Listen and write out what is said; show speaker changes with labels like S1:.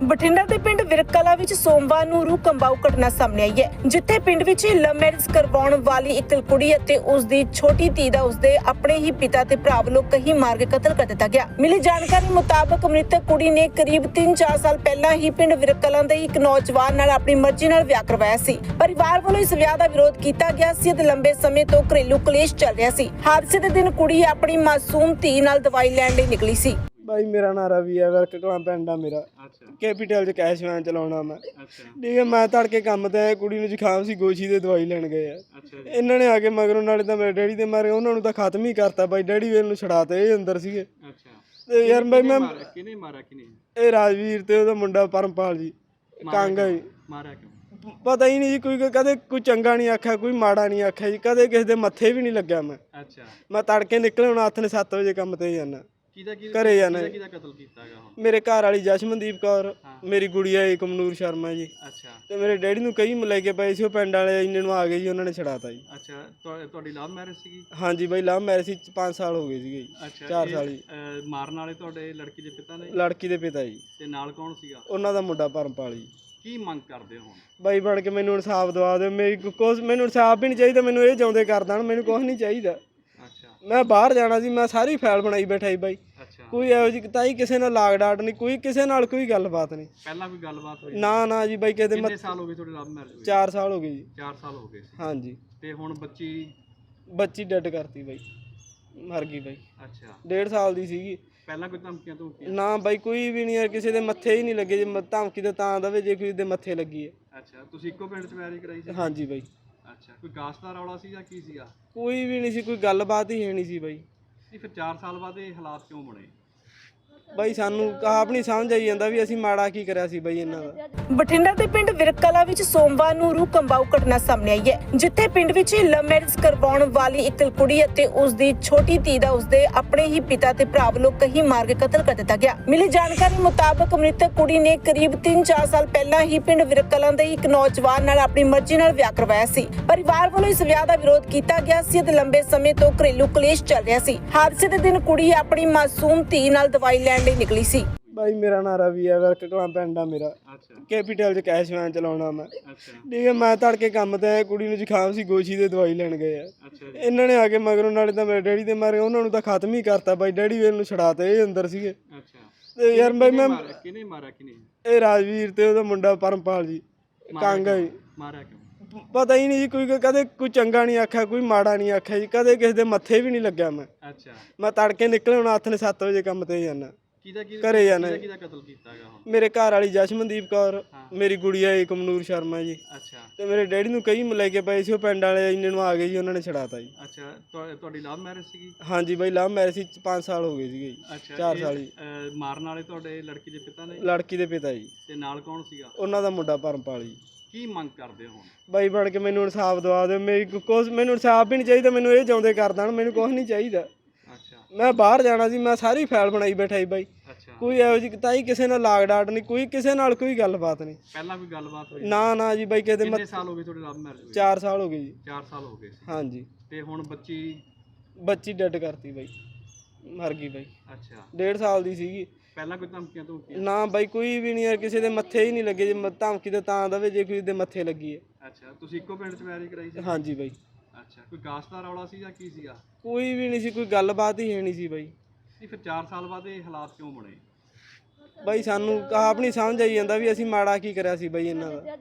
S1: ਬਠਿੰਡਾ ਦੇ ਪਿੰਡ ਵਿਰਕਲਾ ਵਿੱਚ ਸੋਮਵਾਰ ਨੂੰ ਰੂਹ ਕੰਬਾਊ ਘਟਨਾ ਸਾਹਮਣੇ ਆਈ ਹੈ, ਜਿੱਥੇ ਪਿੰਡ ਵਿੱਚ ਲਵ ਮੈਰਿਜ ਕਰਵਾਉਣ ਵਾਲੀ ਇੱਕ ਕੁੜੀ ਅਤੇ ਉਸ ਦੀ ਛੋਟੀ ਧੀ ਦਾ ਉਸਦੇ ਆਪਣੇ ਹੀ ਪਿਤਾ ਤੇ ਭਰਾ ਵੱਲੋਂ ਕਹੀ ਮਾਰ ਕੇ ਕਤਲ ਕਰ ਦਿੱਤਾ ਗਿਆ। ਮਿਲੀ ਜਾਣਕਾਰੀ ਮੁਤਾਬਕ ਮ੍ਰਿਤਕ ਕੁੜੀ ਨੇ ਕਰੀਬ 3-4 ਸਾਲ ਪਹਿਲਾਂ ਹੀ ਪਿੰਡ ਵਿਰਕਲਾ ਦੇ ਇੱਕ ਨੌਜਵਾਨ ਨਾਲ ਆਪਣੀ ਮਰਜ਼ੀ ਨਾਲ ਵਿਆਹ ਕਰਵਾਇਆ ਸੀ। ਪਰਿਵਾਰ ਵੱਲੋਂ ਇਸ ਵਿਆਹ ਦਾ ਵਿਰੋਧ ਕੀਤਾ ਗਿਆ ਸੀ ਅਤੇ ਲੰਬੇ ਸਮੇਂ ਤੋਂ ਘਰੇਲੂ ਕਲੇਸ਼ ਚੱਲ ਰਿਹਾ ਸੀ। ਹਾਦਸੇ ਦੇ ਦਿਨ ਕੁੜੀ ਆਪਣੀ ਮਾਸੂਮ ਧੀ ਨਾਲ ਦਵਾਈ ਲੈਣ ਲਈ ਨਿਕਲੀ ਸੀ।
S2: भाई मेरा नाम रवि है, वर्क कलां पिंड आ मेरा। कैपीटल च कैश वैन चलाउणा मैं। ठीक है, मैं तड़के काम ते आया, कुड़ी नूं जुखाम सी, गोशी दे दवाई लैण गए आ। इन्हां ने आके मगरों नाले तां मेरे डैडी दे मारे उन्हां नूं तां खत्म ही करता। बाई डैडी वेल नूं छड़ाते ये अंदर सीगे। ते यार भाई मैं
S3: किने मारा किने
S2: ए राजवीर ते ओहदा मुंडा परमपाल जी कांगा जी
S3: मारा क्यों
S2: पता ही नहीं जी। कोई कदे कोई चंगा नहीं आख्या, कोई माड़ा नहीं आख्या जी। कदे किसी दे मत्थे भी नहीं लग्या मैं। मैं तड़के निकले हुण हत्थ ने 7 वजे काम ते जाना घरे जाना। मेरे घर वाली जशमनदीप कौर, मेरी गुड़िया कमनूर शर्मा जी ते मेरे डैडी नूं कई लेके पए सी। पिंड वाले इन्ने नूं आ गए जी, उन्होंने छड़ाता जी।
S3: अच्छा, ਤੁਹਾਡੀ ਲਵ ਮੈਰਿਜ ਸੀਗੀ?
S2: हाँ जी भाई, लव मैरिज सी 5 साल हो गए सीगे जी। 4 साल जी।
S3: ਮਾਰਨ ਵਾਲੇ ਤੁਹਾਡੇ ਲੜਕੀ ਦੇ ਪਿਤਾ ਨੇ?
S2: लड़की दे पिता जी
S3: ਤੇ ਨਾਲ ਕੌਣ ਸੀਗਾ?
S2: ਉਹਨਾਂ ਦਾ ਮੁੰਡਾ ਪਰਮਪਾਲ ਜੀ।
S3: ਕੀ ਮੰਗ ਕਰਦੇ ਹੋ ਹੁਣ?
S2: ਬਾਈ ਬਣ ਕੇ ਮੈਨੂੰ ਇਨਸਾਫ ਦਵਾ ਦਿਓ। ਮੇਰੀ ਕੁਛ ਮੈਨੂੰ ਇਨਸਾਫ ਵੀ ਨਹੀਂ ਚਾਹੀਦਾ, ਮੈਨੂੰ ਇਹ ਜਿਉਂਦੇ ਕਰ ਦੇਣ, ਮੈਨੂੰ ਕੁਛ ਨਹੀਂ ਚਾਹੀਦਾ। ਮੈਂ ਬਾਹਰ ਜਾਣਾ ਸੀ, ਮੈਂ ਸਾਰੀ ਫਾਈਲ ਬਣਾਈ ਬੈਠਾ ਸੀ ਬਾਈ। ਕੋਈ ਇਹੋ ਜਿਹੀ ਤਾਈ ਕਿਸੇ ਨਾਲ ਲਾਗ ਡਾਟ ਨਹੀਂ, ਕੋਈ ਕਿਸੇ ਨਾਲ ਕੋਈ ਗੱਲਬਾਤ ਨਹੀਂ।
S3: ਪਹਿਲਾਂ ਕੋਈ ਗੱਲਬਾਤ ਹੋਈ?
S2: ਨਾ ਜੀ ਬਾਈ।
S3: ਕਿੰਨੇ ਸਾਲ ਹੋ ਗਏ ਤੁਹਾਡੇ ਲਵ ਮੈਰਿਜ?
S2: 4 ਸਾਲ ਹੋ ਗਏ ਜੀ।
S3: 4 ਸਾਲ ਹੋ ਗਏ ਸੀ।
S2: ਹਾਂਜੀ।
S3: ਤੇ ਹੁਣ
S2: ਬੱਚੀ ਡੈਡ ਕਰਤੀ ਬਾਈ, ਮਰ ਗਈ ਬਾਈ।
S3: ਅੱਛਾ,
S2: 1.5 ਸਾਲ ਦੀ ਸੀਗੀ।
S3: ਪਹਿਲਾਂ ਕੋਈ ਧਮਕੀਆਂ ਤੋਂ?
S2: ਨਾ ਬਾਈ ਕੋਈ ਵੀ ਨਹੀਂ ਯਾਰ, ਕਿਸੇ ਦੇ ਮੱਥੇ ਹੀ ਨਹੀਂ ਲੱਗੇ। ਜੇ ਧਮਕੀ ਤਾਂ ਦਵੇ ਜੇ ਕਿਸੇ ਦੇ ਮੱਥੇ ਲੱਗੀ ਹੈ।
S3: ਅੱਛਾ, ਤੁਸੀਂ ਇੱਕੋ ਪਿੰਡ 'ਚ ਮੈਰਿਜ ਕਰਾਈ ਸੀ?
S2: ਹਾਂਜੀ ਬਾਈ।
S3: ਅੱਛਾ, ਕੋਈ ਕਾਸਟ ਦਾ ਰੌਲਾ ਸੀ ਜਾਂ ਕੀ ਸੀਗਾ?
S2: ਕੋਈ ਵੀ ਨਹੀਂ ਸੀ, ਕੋਈ ਗੱਲਬਾਤ ਹੀ ਹੈ ਨਹੀਂ ਸੀ ਬਾਈ।
S3: ਫਿਰ 4 ਸਾਲ ਬਾਅਦ ਇਹ ਹਾਲਾਤ ਕਿਉਂ ਬਣੇ?
S2: ਬਾਈ ਸਾਨੂੰ ਆਪ ਨਹੀਂ ਸਮਝ ਆਈ ਜਾਂਦਾ ਵੀ ਅਸੀਂ ਮਾੜਾ ਕੀ ਕਰਿਆ ਸੀ ਬਾਈ ਇਹਨਾਂ ਦਾ।
S1: ਬਠਿੰਡਾ ਦੇ ਪਿੰਡ ਵਿਰਕਲਾ ਵਿੱਚ ਸੋਮਵਾਰ ਨੂੰ ਰੂਹ ਕੰਬਾਊ ਘਟਨਾ ਸਾਹਮਣੇ ਆਈ ਹੈ, ਜਿੱਥੇ ਪਿੰਡ ਵਿੱਚ ਲਵ ਮੈਰਿਜ ਕਰਵਾਉਣ ਵਾਲੀ ਇੱਕ ਕੁੜੀ ਅਤੇ ਉਸ ਦੀ ਛੋਟੀ ਧੀ ਦਾ ਉਸਦੇ ਆਪਣੇ ਹੀ ਪਿਤਾ ਤੇ ਭਰਾ ਵੱਲੋਂ ਕਹੀ ਮਾਰ ਕੇ ਕਤਲ ਕਰ ਦਿੱਤਾ ਗਿਆ। ਮਿਲੀ ਜਾਣਕਾਰੀ ਮੁਤਾਬਕ ਮ੍ਰਿਤਕ ਕੁੜੀ ਨੇ ਕਰੀਬ 3-4 ਸਾਲ ਪਹਿਲਾਂ ਹੀ ਪਿੰਡ ਵਿਰਕਲਾ ਦੇ ਇੱਕ ਨੌਜਵਾਨ ਨਾਲ ਆਪਣੀ ਮਰਜ਼ੀ ਨਾਲ ਵਿਆਹ ਕਰਵਾਇਆ ਸੀ। ਪਰਿਵਾਰ ਵੱਲੋਂ ਇਸ ਵਿਆਹ ਦਾ ਵਿਰੋਧ ਕੀਤਾ ਗਿਆ ਸੀ ਅਤੇ ਲੰਬੇ ਸਮੇਂ ਤੋਂ ਘਰੇਲੂ ਕਲੇਸ਼ ਚੱਲ ਰਿਹਾ ਸੀ। ਹਾਦਸੇ ਦੇ ਦਿਨ ਕੁੜੀ ਆਪਣੀ ਮਾਸੂਮ ਧੀ ਨਾਲ ਦਵਾਈ ਲੈਣ ਲਈ ਨਿਕਲੀ ਸੀ।
S2: ਬਾਈ ਮੇਰਾ ਨਾਮ ਰਵੀ ਹੈ, ਵਰਕ ਕਲਾਂ ਪਿੰਡ ਆ ਮੇਰਾ। ਕੈਪੀਟਲ ਚ ਕੈਸ਼ ਵੈਨ ਚਲਾਉਣਾ ਮੈਂ। ਠੀਕ ਹੈ, ਮੈਂ ਤੜਕੇ ਕੰਮ ਤੇ ਆਇਆ, ਕੁੜੀ ਨੂੰ ਜ਼ੁਕਾਮ ਸੀ, ਗੋਸ਼ੀ ਦੇ ਦਵਾਈ ਲੈਣ ਗਏ ਆ। ਇਹਨਾਂ ਨੇ ਆ ਕੇ ਮਗਰੋਂ ਨਾਲੇ ਤਾਂ ਮੇਰੇ ਡੈਡੀ ਦੇ ਮਾਰੇ ਉਹਨਾਂ ਨੂੰ ਤਾਂ ਖਤਮ ਹੀ ਕਰਤਾ। ਬਾਈ ਡੈਡੀ ਵੇਲ ਨੂੰ ਛੜਾਤੇ ਇਹ ਅੰਦਰ ਸੀਗੇ। ਤੇ ਯਾਰ ਬਾਈ ਮੈਂ
S3: ਕਿਨੇ ਮਾਰਾ ਕਿਨੇ
S2: ਇਹ ਰਾਜਵੀਰ ਤੇ ਉਹਦਾ ਮੁੰਡਾ ਪਰਮਪਾਲ ਜੀ ਕਾਂਗਾ ਜੀ
S3: ਮਾਰਿਆ ਕਿਉਂ?
S2: ਪਤਾ ਹੀ ਨਹੀਂ ਜੀ। ਕੋਈ ਕਦੇ ਕੋਈ ਚੰਗਾ ਨਹੀਂ ਆਖਿਆ, ਕੋਈ ਮਾੜਾ ਨਹੀਂ ਆਖਿਆ ਜੀ। ਕਦੇ ਕਿਸੇ ਦੇ ਮੱਥੇ ਵੀ ਨਹੀਂ ਲੱਗਿਆ ਮੈਂ।
S3: ਅੱਛਾ,
S2: ਮੈਂ ਤੜਕੇ ਨਿਕਲੇ ਹੁਣ ਹੱਥ ਨੇ 7 ਵਜੇ ਕੰਮ ਤੇ ਜਾਣਾ ਘਰੇ ਜਾਣਾ।
S3: ਕਿਹਦਾ ਕਤਲ ਕੀਤਾ ਹੈਗਾ ਹੁਣ?
S2: ਮੇਰੇ ਘਰ ਵਾਲੀ ਜਸ਼ਮਨਦੀਪ ਕੌਰ, ਮੇਰੀ ਗੁੜੀਆ ਕਮਨੂਰ ਸ਼ਰਮਾ ਜੀ ਤੇ ਮੇਰੇ ਡੈਡੀ ਨੂੰ ਕਈ ਲੈਕੇ ਪਏ ਸੀ। ਪਿੰਡ ਵਾਲੇ ਇੰਨੇ ਨੂੰ ਆ ਗਏ ਜੀ, ਉਹਨਾਂ ਨੇ ਛੜਾਤਾ ਜੀ।
S3: ਅੱਛਾ, ਤੁਹਾਡੀ ਲਵ ਮੈਰਿਜ ਸੀਗੀ?
S2: ਹਾਂਜੀ ਬਾਈ, ਲਵ ਮੈਰਿਜ ਸੀ 5 ਸਾਲ ਹੋ ਗਏ ਸੀਗੇ ਜੀ। 4 ਸਾਲ ਜੀ।
S3: ਮਾਰਨ ਵਾਲੇ ਤੁਹਾਡੇ ਲੜਕੀ ਦੇ ਪਿਤਾ ਨੇ?
S2: ਲੜਕੀ ਦੇ ਪਿਤਾ ਜੀ
S3: ਤੇ ਨਾਲ ਕੌਣ ਸੀਗਾ?
S2: ਉਹਨਾਂ ਦਾ ਮੁੰਡਾ ਪਰਮਪਾਲ ਜੀ।
S3: ਕੀ ਮੰਗ ਕਰਦੇ ਹੋ?
S2: ਬਾਈ ਬਣ ਕੇ ਮੈਨੂੰ ਇਨਸਾਫ ਦਵਾ ਦਿਓ। ਮੇਰੀ ਕੁਛ ਮੈਨੂੰ ਇਨਸਾਫ ਵੀ ਨਹੀਂ ਚਾਹੀਦਾ, ਮੈਨੂੰ ਇਹ ਜਿਉਂਦੇ ਕਰ ਦੇਣ, ਮੈਨੂੰ ਕੁਛ ਨਹੀਂ ਚਾਹੀਦਾ। ਮੈਂ ਬਾਹਰ ਜਾਣਾ ਸੀ, ਮੈਂ ਸਾਰੀ ਫਾਈਲ ਬਣਾਈ ਬੈਠਾ ਸੀ ਬਾਈ। ਕੋਈ ਇਹੋ ਜਿਹੀ ਤਾਈ ਕਿਸੇ ਨਾਲ ਲਾਗ ਡਾਟ ਨਹੀਂ, ਕੋਈ ਕਿਸੇ ਨਾਲ ਕੋਈ ਗੱਲਬਾਤ ਨਹੀਂ।
S3: ਪਹਿਲਾਂ ਕੋਈ ਗੱਲਬਾਤ ਹੋਈ? ਨਾ
S2: ਜੀ ਬਾਈ।
S3: ਕਿੰਨੇ ਸਾਲ ਹੋ ਗਏ ਤੁਹਾਡੇ ਲਵ ਮੈਰਿਜ?
S2: 4 ਸਾਲ ਹੋ ਗਏ ਜੀ।
S3: 4 ਸਾਲ ਹੋ ਗਏ ਸੀ।
S2: ਹਾਂਜੀ।
S3: ਤੇ ਹੁਣ
S2: ਬੱਚੀ ਡੈਡ ਕਰਤੀ ਬਾਈ, ਮਰ ਗਈ ਬਾਈ।
S3: ਅੱਛਾ,
S2: 1.5 ਸਾਲ ਦੀ ਸੀਗੀ।
S3: ਪਹਿਲਾਂ ਕੋਈ ਧਮਕੀਆਂ ਤੋਂ?
S2: ਨਾ ਬਾਈ ਕੋਈ ਵੀ ਨਹੀਂ ਯਾਰ, ਕਿਸੇ ਦੇ ਮੱਥੇ ਹੀ ਨਹੀਂ ਲੱਗੇ। ਜੇ ਧਮਕੀ ਤਾਂ ਦਵੇ ਜੇ ਕਿਸੇ ਦੇ ਮੱਥੇ ਲੱਗੀ ਹੈ।
S3: ਅੱਛਾ, ਤੁਸੀਂ ਇੱਕੋ ਪਿੰਡ 'ਚ ਮੈਰਿਜ ਕਰਾਈ ਸੀ?
S2: ਹਾਂਜੀ ਬਾਈ।
S3: ਅੱਛਾ, ਕੋਈ ਕਾਸਟ ਦਾ ਰੌਲਾ ਸੀ ਜਾਂ ਕੀ ਸੀਗਾ?
S2: ਕੋਈ ਵੀ ਨਹੀਂ ਸੀ, ਕੋਈ ਗੱਲਬਾਤ ਹੀ ਹੈ ਨਹੀਂ ਸੀ ਬਾਈ।
S3: ਫਿਰ 4 ਸਾਲ ਬਾਅਦ ਇਹ ਹਾਲਾਤ ਕਿਉਂ ਬਣੇ?
S2: ਬਾਈ ਸਾਨੂੰ ਆਪ ਨਹੀਂ ਸਮਝ ਆਈ ਜਾਂਦਾ ਵੀ ਅਸੀਂ ਮਾੜਾ ਕੀ ਕਰਿਆ ਸੀ ਬਾਈ ਇਹਨਾਂ ਦਾ।